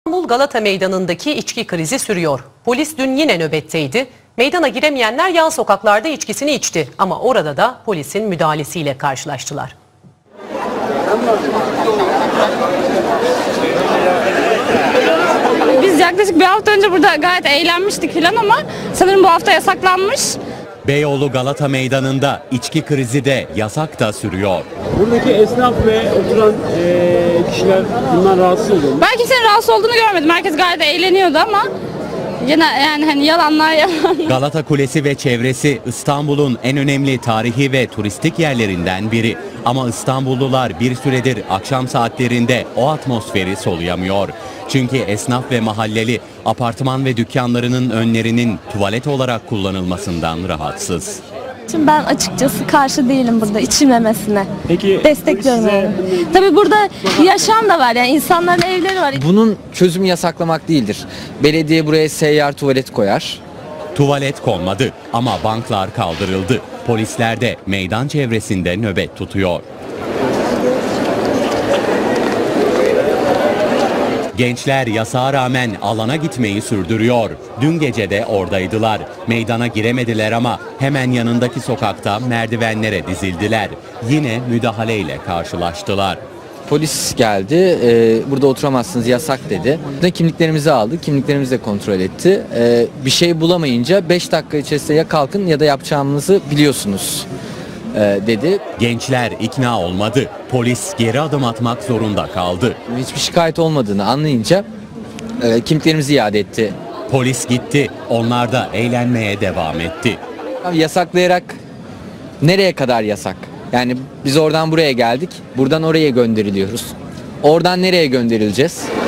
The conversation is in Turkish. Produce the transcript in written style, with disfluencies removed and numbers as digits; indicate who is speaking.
Speaker 1: İstanbul Galata Meydanı'ndaki içki krizi sürüyor. Polis dün yine nöbetteydi. Meydana giremeyenler yan sokaklarda içkisini içti ama orada da polisin müdahalesiyle karşılaştılar.
Speaker 2: Biz yaklaşık bir hafta önce burada gayet eğlenmiştik filan ama sanırım bu hafta yasaklanmış.
Speaker 3: Beyoğlu Galata Meydanı'nda içki krizi de yasak da sürüyor.
Speaker 4: Buradaki esnaf ve oturan kişiler bundan rahatsız oluyor mu?
Speaker 2: Ben kimsenin rahatsız olduğunu görmedim. Herkes gayet eğleniyordu ama yine yani hani yalanlar yalan.
Speaker 3: Galata Kulesi ve çevresi İstanbul'un en önemli tarihi ve turistik yerlerinden biri. Ama İstanbullular bir süredir akşam saatlerinde o atmosferi soluyamıyor. Çünkü esnaf ve mahalleli apartman ve dükkanlarının önlerinin tuvalet olarak kullanılmasından rahatsız.
Speaker 5: Şimdi ben açıkçası karşı değilim burada içilmemesine.
Speaker 4: Peki
Speaker 5: Destekliyorum
Speaker 4: size-
Speaker 5: yani. Tabii burada yaşam da var yani insanların evleri var.
Speaker 6: Bunun çözümü yasaklamak değildir. Belediye buraya seyyar tuvalet koyar.
Speaker 3: Tuvalet konmadı ama banklar kaldırıldı. Polisler de meydan çevresinde nöbet tutuyor. Gençler yasağa rağmen alana gitmeyi sürdürüyor. Dün gece de oradaydılar. Meydana giremediler ama hemen yanındaki sokakta merdivenlere dizildiler. Yine müdahaleyle karşılaştılar.
Speaker 6: Polis geldi, burada oturamazsınız yasak dedi. Kimliklerimizi aldı, kimliklerimizi de kontrol etti. Bir şey bulamayınca 5 dakika içerisinde ya kalkın ya da yapacağımızı biliyorsunuz dedi.
Speaker 3: Gençler ikna olmadı. Polis geri adım atmak zorunda kaldı.
Speaker 6: Hiçbir şikayet olmadığını anlayınca kimliklerimizi iade etti.
Speaker 3: Polis gitti. Onlar da eğlenmeye devam etti.
Speaker 6: Abi yasaklayarak nereye kadar yasak? Yani biz oradan buraya geldik, buradan oraya gönderiliyoruz. Oradan nereye gönderileceğiz?